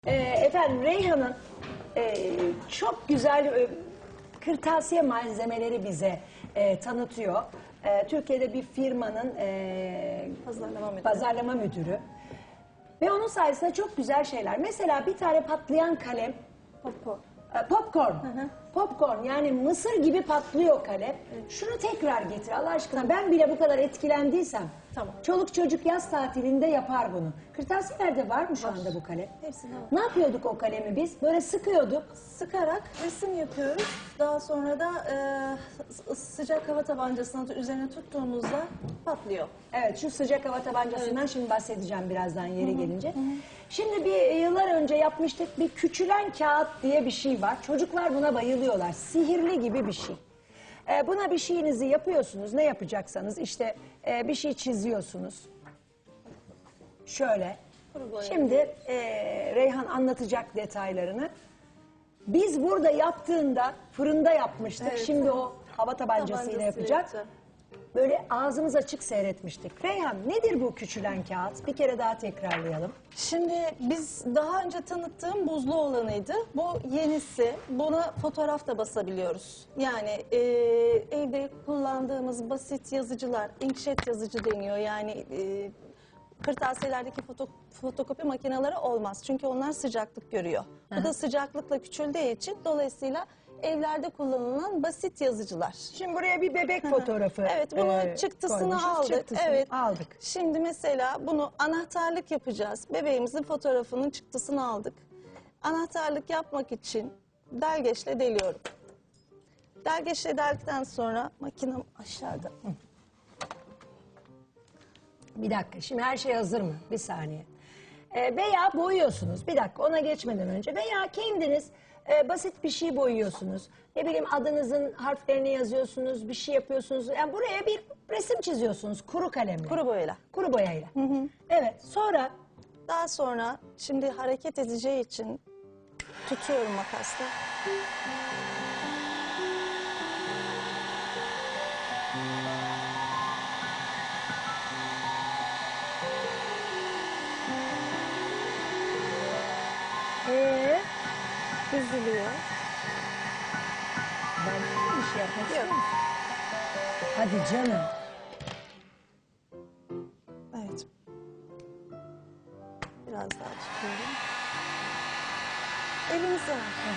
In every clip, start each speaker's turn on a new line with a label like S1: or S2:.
S1: Efendim Reyhan'ın çok güzel kırtasiye malzemeleri bize tanıtıyor. Türkiye'de bir firmanın pazarlama müdürü. Ve onun sayesinde çok güzel şeyler. Mesela bir tane patlayan kalem. Popcorn. Popcorn, yani mısır gibi patlıyor kalem. Şunu tekrar getir Allah aşkına. Ben bile bu kadar etkilendiysem.
S2: Tamam.
S1: Çoluk çocuk yaz tatilinde yapar bunu. Kırtasiyelerde var mı şu anda bu kalem?
S2: Hepsinde var.
S1: Ne yapıyorduk o kalemi biz? Böyle sıkıyorduk.
S2: Sıkarak resim yapıyoruz. Daha sonra da sıcak hava tabancasını üzerine tuttuğumuzda patlıyor.
S1: Evet, şu sıcak hava tabancasından şimdi bahsedeceğim birazdan yeri gelince. Şimdi bir yıllar önce yapmıştık, bir küçülen kağıt diye bir şey var. Çocuklar buna bayılıyorlar. Sihirli gibi bir şey. Buna bir şeyinizi yapıyorsunuz. Ne yapacaksanız işte bir şey çiziyorsunuz. Şöyle. Şimdi Reyhan anlatacak detaylarını. Biz burada yaptığında fırında yapmıştık.
S2: Evet.
S1: Şimdi o hava tabancasıyla yapacak.
S2: yapacağım.
S1: Böyle ağzımız açık seyretmiştik. Reyhan, nedir bu küçülen kağıt? Bir kere daha tekrarlayalım.
S2: Şimdi biz daha önce tanıttığım buzlu olanıydı. Bu yenisi. Buna fotoğraf da basabiliyoruz. Yani evde kullandığımız basit yazıcılar, inkjet yazıcı deniyor. Yani kırtasiyelerdeki fotokopi makineleri olmaz. Çünkü onlar sıcaklık görüyor. Bu da sıcaklıkla küçüldüğü için dolayısıyla evlerde kullanılan basit yazıcılar.
S1: Şimdi buraya bir bebek fotoğrafı
S2: Evet, bunu çıktısını
S1: koymuşuz.
S2: aldık.
S1: Çıktısını
S2: Evet.
S1: aldık.
S2: Şimdi mesela bunu anahtarlık yapacağız. Bebeğimizin fotoğrafının çıktısını aldık. Anahtarlık yapmak için delgeçle deliyorum. Delgeçle deldikten sonra makinem aşağıda.
S1: Bir dakika, şimdi her şey hazır mı? Bir saniye. Veya boyuyorsunuz. Bir dakika, ona geçmeden önce. Veya kendiniz basit bir şey boyuyorsunuz. Ne bileyim, adınızın harflerini yazıyorsunuz, bir şey yapıyorsunuz. Yani buraya bir resim çiziyorsunuz kuru kalemle.
S2: Kuru boyayla.
S1: Kuru boyayla. Evet, sonra
S2: Daha sonra şimdi hareket edeceği için tutuyorum makasla. Düzülüyor.
S1: ben bir şey yapmak
S2: Yok.
S1: istiyorum. Hadi canım.
S2: Evet. Biraz daha tutuyorum. Elinize alın.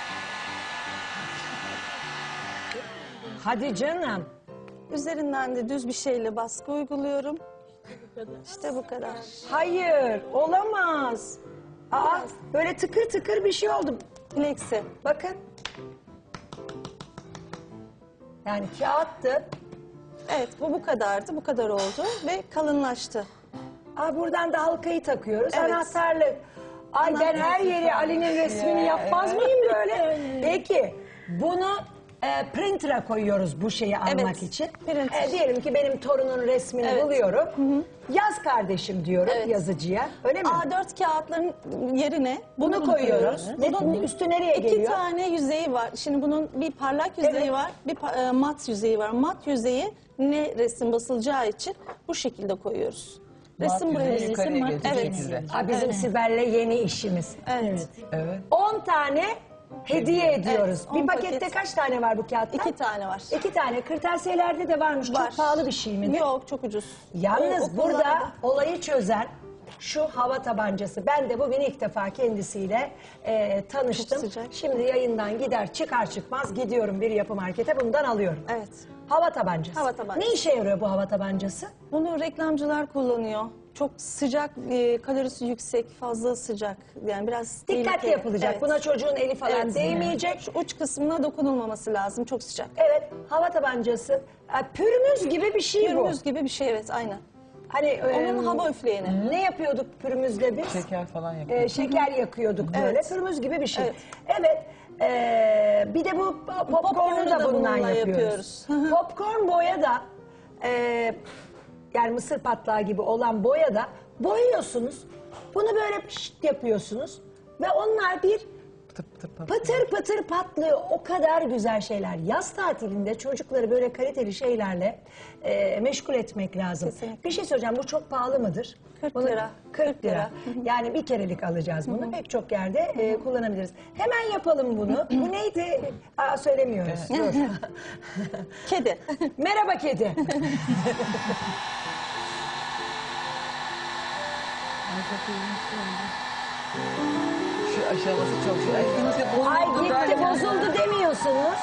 S1: Hadi canım.
S2: Üzerinden de düz bir şeyle baskı uyguluyorum. İşte bu kadar.
S1: Hayır, olamaz. Aa, böyle tıkır tıkır bir şey oldu.
S2: Plexi.
S1: Bakın. Yani kağıttı.
S2: Evet, bu kadardı. Bu kadar oldu ve kalınlaştı.
S1: Aa, buradan da halkayı takıyoruz.
S2: Evet.
S1: Anahtarlık. Ay, ben her yeri Ali'nin resmini yapmaz mıyım böyle? Peki bunu printer'a koyuyoruz bu şeyi almak
S2: Evet,
S1: için.
S2: printer.
S1: Diyelim ki benim torunun resmini
S2: Evet.
S1: buluyorum. Yaz kardeşim diyorum
S2: Evet.
S1: yazıcıya. Öyle mi?
S2: A4 kağıtların yerine
S1: Bunu koyuyoruz. Bunun üstü nereye
S2: İki
S1: geliyor?
S2: tane yüzeyi var. Şimdi bunun bir parlak yüzeyi
S1: Evet.
S2: var, bir mat yüzeyi var. Mat yüzeyi ne resim basılacağı için bu şekilde koyuyoruz. Resim buraya
S3: yüzeyi yukarıya gelecek
S2: Evet.
S3: şekilde.
S1: Aa, bizim Sibel'le yeni işimiz.
S2: Evet.
S3: Evet.
S1: 10 tane hediye ediyoruz.
S2: Evet,
S1: bir
S2: 10
S1: pakette
S2: paket.
S1: kaç tane var bu kağıttan?
S2: 2 tane var.
S1: 2 tane. Kırtasiyelerde de varmış.
S2: Var.
S1: Çok pahalı bir şey mi?
S2: Yok, çok ucuz.
S1: Yalnız
S2: O
S1: burada
S2: okullarda-
S1: olayı çözen şu hava tabancası. Ben de bugün ilk defa kendisiyle tanıştım.
S2: Çok sıcak.
S1: Şimdi yayından gider çıkar çıkmaz gidiyorum bir yapı markete, bundan alıyorum.
S2: Evet.
S1: Hava tabancası.
S2: Hava tabancası.
S1: Ne işe yarıyor bu hava tabancası?
S2: Bunu reklamcılar kullanıyor. Çok sıcak, kalorisi yüksek, fazla sıcak. Yani biraz
S1: Dikkatli
S2: tehlikeli.
S1: yapılacak.
S2: Evet.
S1: Buna çocuğun eli falan
S2: Evet.
S1: değmeyecek.
S2: Şu uç kısmına dokunulmaması lazım. Çok sıcak.
S1: Evet, hava tabancası. Pürmüz gibi bir şey bu.
S2: Pürmüz gibi bir şey, evet, aynen.
S1: Hani
S2: Onun hava üfleyeni.
S1: ne yapıyorduk pürmüzle biz?
S3: Şeker falan yapıyor.
S1: Şeker yakıyorduk böyle.
S2: Evet.
S1: Pürmüz gibi bir şey.
S2: Evet.
S1: Evet. Bir de bu popcorn'u
S2: Popcorn'u
S1: da
S2: da
S1: bundan
S2: bununla
S1: yapıyoruz.
S2: yapıyoruz.
S1: Popcorn boya da yani mısır patlağı gibi olan boya da boyuyorsunuz. Bunu böyle pişt yapıyorsunuz ve onlar bir
S3: Pıtır pıtır pıtır.
S1: pıtır pıtır patlıyor. O kadar güzel şeyler. Yaz tatilinde çocukları böyle kaliteli şeylerle meşgul etmek lazım.
S2: Kesinlikle.
S1: Bir şey söyleyeceğim. Bu çok pahalı mıdır?
S2: 40
S1: Bunu-
S2: lira.
S1: 40 lira. Yani bir kerelik alacağız bunu. Pek çok yerde kullanabiliriz. Hemen yapalım bunu. Bu neydi? Aa, söylemiyoruz. Dur.
S2: Kedi.
S1: Merhaba kedi.
S3: Şu aşaması çok şey. Ay, nasıl
S1: Ay
S3: bozuldu
S1: gitti
S3: derken-
S1: bozuldu demiyorsunuz.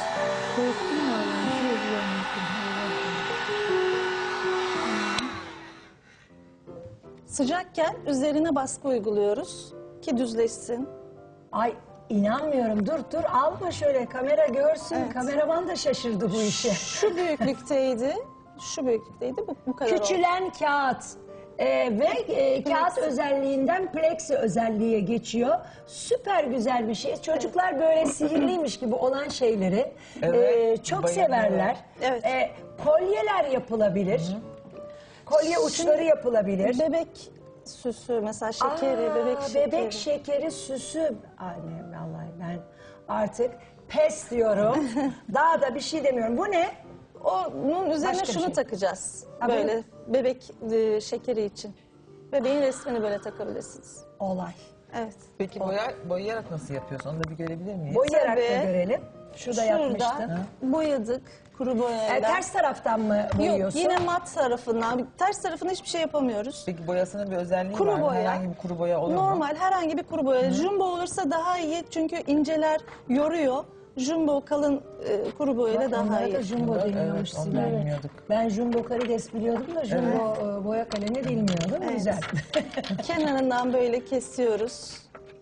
S2: Sıcakken üzerine baskı uyguluyoruz ki düzleşsin.
S1: Ay inanmıyorum. Dur alma şöyle kamera görsün. Kameraman da şaşırdı bu işe.
S2: Şu büyüklükteydi. Şu büyüklükteydi. Bu kadar oldu.
S1: Küçülen kağıt ve kağıt özelliğinden plexi özelliğe geçiyor. Süper güzel bir şey. Çocuklar böyle sihirliymiş gibi olan şeyleri
S3: Evet,
S1: çok
S3: bayılıyorlar.
S1: severler.
S2: Evet.
S1: Kolyeler yapılabilir. Kolye uçları yapılabilir.
S2: Bebek süsü mesela şekeri, bebek şekeri.
S1: Süsü. Annem vallahi ben artık pes diyorum. Daha da bir şey demiyorum. Bu ne?
S2: Onun üzerine
S1: Başka bir
S2: şunu
S1: şey.
S2: takacağız.
S1: Ha,
S2: Böyle bebek şekeri için. Bebeğin resmini böyle takabilirsiniz.
S1: Olay.
S2: Evet.
S3: Peki boyayarak nasıl yapıyorsun? Onu da bir görebilir miyiz?
S1: Boyayarak da
S2: Tabii.
S1: görelim. Şurada yapmıştın.
S2: Şurada boyadık kuru boyayla.
S1: Ters taraftan mı
S2: Yok
S1: boyuyorsun?
S2: yine mat tarafından. Ters tarafına hiçbir şey yapamıyoruz.
S3: Peki boyasının bir özelliği
S2: Kuru
S3: var mı?
S2: boya.
S3: Herhangi bir kuru boya olur mu?
S2: Normal herhangi bir kuru boya. Jumbo olursa daha iyi çünkü inceler yoruyor. Jumbo kalın kuru boyayla daha
S1: Onlara da
S2: iyi.
S1: jumbo
S3: Evet,
S1: deniyormuş
S3: onu
S1: Sibel.
S3: bilmiyorduk.
S1: Ben jumbo karides biliyordum da jumbo boya kalemi bilmiyordum.
S2: Evet.
S1: Güzel.
S2: Kenarından böyle kesiyoruz.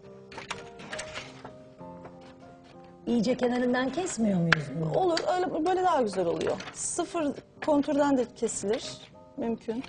S1: İyice kenarından kesmiyor muyuz bunu?
S2: Olur öyle böyle daha güzel oluyor. Sıfır konturdan da kesilir. Mümkün.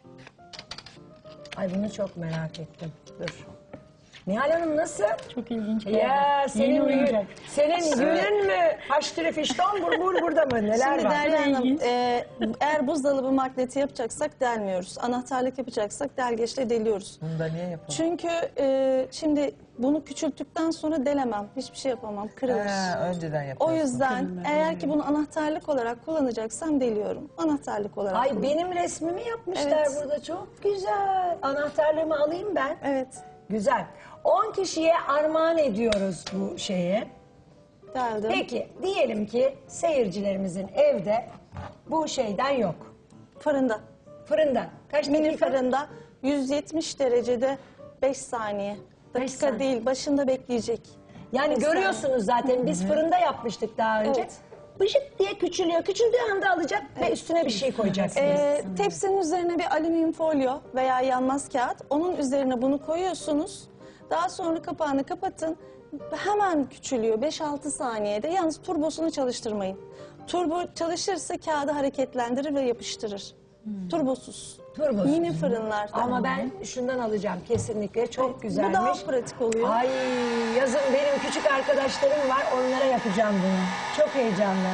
S1: Ay bunu çok merak ettim. Dur. Nihal Hanım nasıl?
S4: Çok ilginç.
S1: Ya senin
S4: oyuncak.
S1: senin günün mü? Haştırı fişton burada mı? Neler
S2: Şimdi
S1: var?
S2: Derya Hanım,
S4: ilginç.
S2: eğer buzdolabı magneti yapacaksak delmiyoruz. Anahtarlık yapacaksak delgeçle deliyoruz.
S3: Bunu da niye yapalım?
S2: Çünkü şimdi bunu küçülttükten sonra delemem. Hiçbir şey yapamam. Kırılır.
S3: Önceden
S2: O
S3: yapıyorsun.
S2: yüzden eğer ki bunu anahtarlık olarak kullanacaksam deliyorum. Anahtarlık olarak
S1: Ay
S2: kullanıyorum.
S1: benim resmimi yapmışlar
S2: Evet.
S1: burada. Çok güzel. Anahtarlığımı alayım ben.
S2: Evet.
S1: Güzel. 10 kişiye armağan ediyoruz bu şeyi.
S2: Deldim.
S1: Peki diyelim ki seyircilerimizin evde bu şeyden yok.
S2: Fırında.
S1: Fırından. Kaç
S2: Mini
S1: dakika?
S2: fırında 170 derecede 5 saniye. Dakika
S1: saniye.
S2: değil, başında bekleyecek.
S1: Yani
S2: Beş
S1: görüyorsunuz zaten biz fırında yapmıştık daha önce.
S2: Evet.
S1: Bıcık diye küçülüyor. Küçüldüğü anda alacak ve üstüne bir şey koyacaksınız.
S2: Tepsinin üzerine bir alüminyum folyo veya yanmaz kağıt. Onun üzerine bunu koyuyorsunuz. Daha sonra kapağını kapatın. Hemen küçülüyor 5-6 saniyede. Yalnız turbosunu çalıştırmayın. Turbo çalışırsa kağıdı hareketlendirir ve yapıştırır. Turbosuz.
S1: Turbosuz.
S2: Mini fırınlarda.
S1: Ama ben şundan alacağım kesinlikle. Çok güzelmiş.
S2: Bu daha pratik oluyor.
S1: Ay yazın benim küçük arkadaşlarım var. Onlara yapacağım bunu. Çok heyecanlı.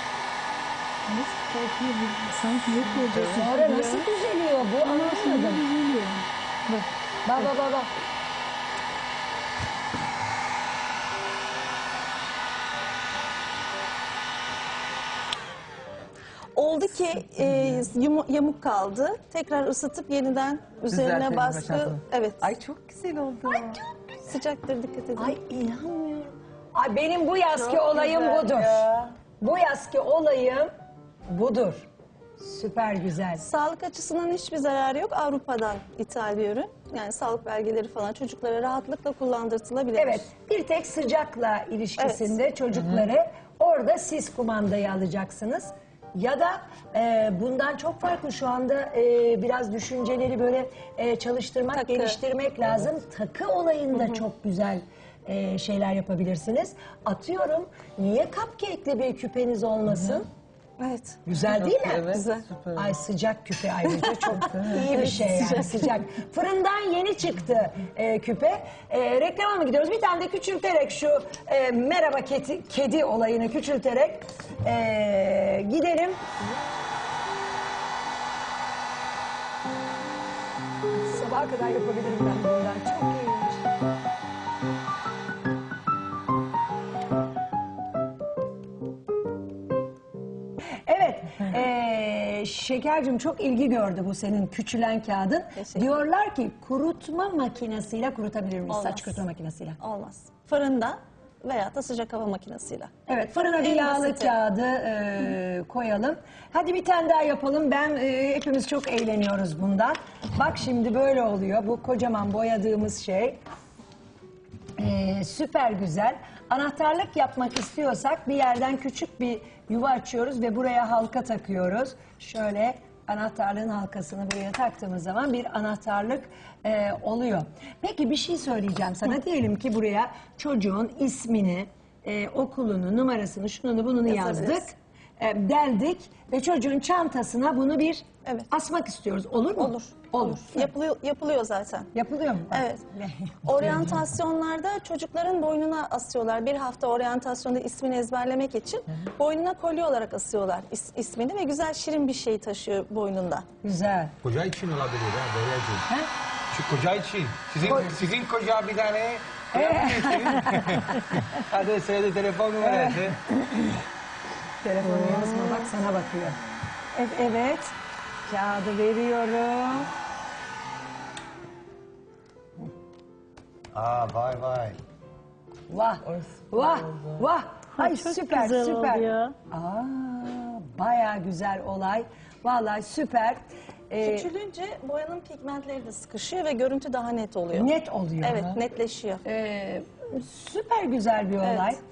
S4: Sanki yok olacak.
S1: Sonra nasıl düzeliyor bu anlamadım.
S4: Bak.
S1: Bak.
S2: Oldu ki yamuk kaldı. Tekrar ısıtıp yeniden üzerine
S3: Düzeltelim
S2: baskı.
S3: aşağısını.
S2: Evet.
S3: Ay çok güzel oldu.
S2: Sıcaktır dikkat edin.
S1: Ay inanmıyorum. Ay benim bu yazki
S3: Çok
S1: olayım
S3: güzel
S1: budur.
S3: ya.
S1: Bu yazki olayım budur. Süper güzel.
S2: Sağlık açısından hiçbir zararı yok. Avrupa'dan ithal bir ürün. Yani sağlık belgeleri falan çocuklara rahatlıkla kullandırtılabilir.
S1: Evet, bir tek sıcakla ilişkisinde çocukları orada siz kumandayı alacaksınız. Ya da bundan çok farklı şu anda biraz düşünceleri böyle çalıştırmak,
S2: Takı.
S1: geliştirmek lazım. Takı olayında çok güzel şeyler yapabilirsiniz. Atıyorum, niye cupcake'li bir küpeniz olmasın?
S2: Evet.
S1: Güzel değil mi?
S3: Evet,
S2: Güzel.
S3: süper.
S1: Ay sıcak küpe ayrıca çok iyi bir şey yani sıcak. Fırından yeni çıktı küpe. Reklama mı gidiyoruz? Bir tane de küçülterek şu merhaba kedi olayını küçülterek gidelim. Sabaha kadar yapabilirim ben bundan. Çok iyiymiş. Evet. Şekercim çok ilgi gördü bu senin küçülen kağıdın.
S2: Teşekkür.
S1: Diyorlar ki kurutma makinesiyle kurutabilir miyiz?
S2: Olmaz.
S1: Saç kurutma makinesiyle.
S2: Olmaz. Fırında veya da sıcak hava makinesiyle.
S1: Evet, fırına bir
S2: En
S1: yağlı
S2: basiti.
S1: kağıdı koyalım. Hadi bir tane daha yapalım. Hepimiz çok eğleniyoruz bundan. Bak şimdi böyle oluyor. Bu kocaman boyadığımız şey. Süper güzel. Anahtarlık yapmak istiyorsak bir yerden küçük bir yuva açıyoruz ve buraya halka takıyoruz. Şöyle anahtarlığın halkasını buraya taktığımız zaman bir anahtarlık oluyor. Peki bir şey söyleyeceğim sana. Diyelim ki buraya çocuğun ismini, okulunu, numarasını, şununu bununu
S2: Yazabiliriz.
S1: yazdık. Deldik ve çocuğun çantasına bunu bir
S2: Evet.
S1: asmak istiyoruz. Olur mu?
S2: Olur.
S1: Olur.
S2: Yapılıyor zaten.
S1: Yapılıyor mu?
S2: Evet. Oryantasyonlarda çocukların boynuna asıyorlar. Bir hafta oryantasyonda ismini ezberlemek için boynuna kolye olarak asıyorlar ismini ve güzel şirin bir şey taşıyor boynunda.
S1: Güzel.
S5: Koca için olabilir ha Derya'cığım.
S1: Ha?
S5: Şu koca için. Sizin koca bir tane hadi söyle telefon numarası.
S1: Telefonu yazma bak sana bakıyor. Evet. Kağıdı veriyorum.
S5: Vay vay.
S1: Vah. Vah. Vah. Ay
S4: çok
S1: süper
S4: güzel
S1: süper.
S4: oluyor.
S1: Bayağı güzel olay. Vallahi süper.
S2: Küçülünce boyanın pigmentleri de sıkışıyor ve görüntü daha net oluyor.
S1: Net oluyor.
S2: Evet, netleşiyor.
S1: Süper güzel bir olay.
S2: Evet.